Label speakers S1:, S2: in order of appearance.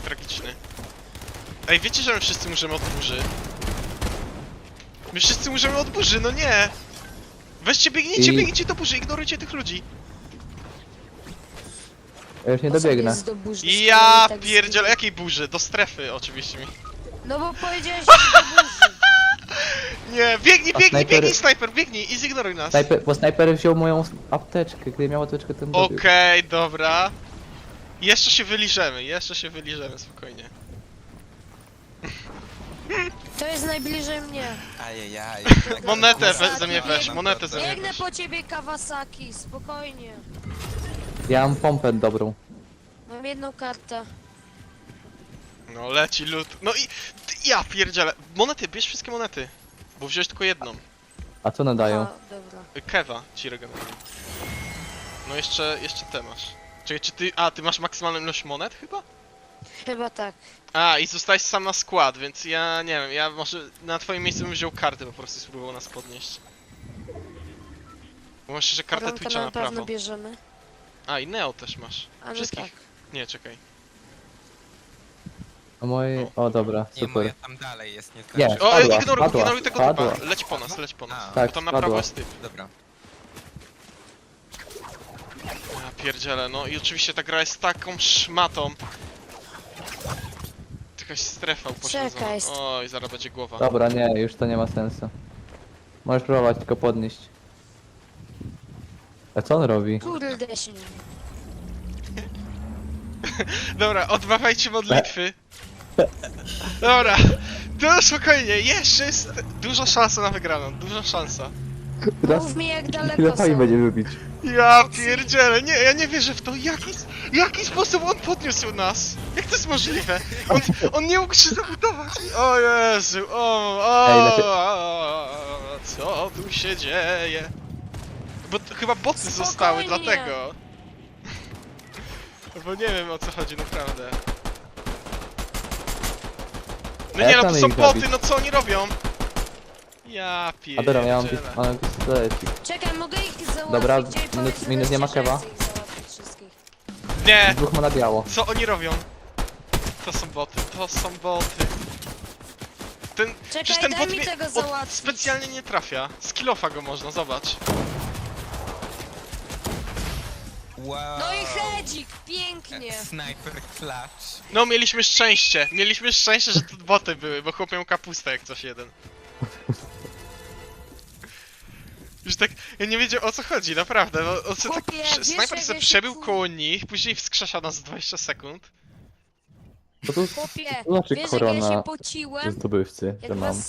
S1: tragiczny. Ej, wiecie, że my wszyscy umrzemy od burzy? My wszyscy umrzemy od burzy, no nie! Weźcie, biegnijcie do burzy, ignorujcie tych ludzi.
S2: Ja już nie dobiegnę.
S3: Jest do burzy,
S1: Ja
S3: skoro tak
S1: pierdzielę,
S3: zginie.
S1: jakiej burzy? Do strefy oczywiście mi.
S3: No bo powiedziałeś, że do burzy.
S1: Nie, biegnij,
S2: A
S1: biegnij,
S2: snajper-
S1: biegnij, snajper, biegnij i zignoruj nas.
S2: Bo snajper wziął moją apteczkę, gdy miał apteczkę, ten dobił.
S1: Okej, dobra. Jeszcze się wyliżemy, spokojnie.
S3: To jest najbliżej mnie.
S4: Ajajaj.
S1: Monetę
S3: Kawasaki,
S1: ze mnie weź, monetę ze mnie
S3: Biegnę
S1: weź.
S3: po ciebie, Kawasaki, spokojnie.
S2: Ja mam pompę dobrą.
S3: Mam jedną kartę.
S1: No leci lód. No i ja pierdzielę. Monety, bierz wszystkie monety. Bo wziąłeś tylko jedną.
S2: A co nadają?
S3: A, dobra.
S1: Kewa ci regeneruje. No jeszcze te masz. Czekaj, czy ty... ty masz maksymalną ilość monet chyba?
S3: Chyba tak.
S1: I zostałeś sam na skład, więc ja nie wiem, ja może na twoim miejscu bym wziął kartę po prostu i spróbował nas podnieść. Bo masz jeszcze kartę
S3: Koronkę
S1: Twitcha na
S3: na pewno
S1: prawo.
S3: bierzemy.
S1: I Neo też masz.
S3: A no
S1: Wszystkich.
S3: tak.
S1: Nie, czekaj.
S2: A moje... O dobra,
S4: Nie, moja
S2: super.
S4: tam dalej jest, nie
S2: Nie.
S4: znaczy.
S1: O,
S2: Spadła,
S1: ignoruj tego
S2: spadła.
S1: typa. Leć po nas,
S4: A.
S2: Tak,
S1: Bo tam na
S2: spadła.
S1: prawo jest typ.
S4: Dobra.
S1: Ja pierdzielę, no i oczywiście ta gra jest taką szmatą. Jakaś strefa upośledzona.
S3: Czekaj.
S1: Oj, zaraz będzie głowa.
S2: Dobra, nie, już to nie ma sensu. Możesz próbować tylko podnieść. A co on robi?
S3: Kurde się.
S1: Dobra, odmawiajcie modlitwy. Dobra, to spokojnie, jeszcze jest duża szansa na wygraną, duża szansa.
S2: Teraz
S3: Mów mi jak daleko
S2: chwilę pani
S3: są.
S2: będzie lubić.
S1: Ja pierdzielę, nie, ja nie wierzę w to, jaki sposób on podniósł nas? Jak to jest możliwe? On nie mógł się zabudować. O Jezu,
S2: Ej, lepiej-
S1: co tu się dzieje? Bo chyba boty
S3: Spokojnie.
S1: zostały, dlatego. Bo nie wiem o co chodzi naprawdę. No nie no, to
S2: chcemy
S1: są
S2: ich
S1: boty,
S2: zabić.
S1: no co oni robią? Ja
S2: A dobra, ja mam
S1: pierdzielę.
S2: mam pistolecik.
S3: Czekaj, mogę ich załatwić.
S2: Dobra,
S3: Ej,
S2: minus-
S3: powiedz
S2: minus nie ma
S3: wreszcie, że
S2: kewa.
S3: chcę ich załatwić wszystkich.
S1: Nie!
S2: Dwóch ma na biało.
S1: Co oni robią? To są boty, to są boty. Przecież
S3: Czekaj,
S1: ten
S3: daj
S1: bot
S3: mi
S1: mnie
S3: tego załatwić.
S1: specjalnie nie trafia. Z kilofa go można, zobacz.
S4: Wow.
S3: No i hedzik, pięknie.
S4: Sniper flash.
S1: No, mieliśmy szczęście, że to boty były, bo chłop miał kapustę jak coś jeden. Już tak, ja nie wiedział o co chodzi, naprawdę, bo on se tak,
S3: Chłopie, wiesz,
S1: snajper
S3: jak
S1: se
S3: ja się
S1: przebił
S3: fu-
S1: koło nich, później wskrzesza nas 20 sekund.
S2: Bo tu
S3: Chłopie,
S2: to znaczy
S3: wiesz jak ja się
S2: korona
S3: pociłem?
S2: zdobywcy,
S3: Jak
S2: że mam.
S3: was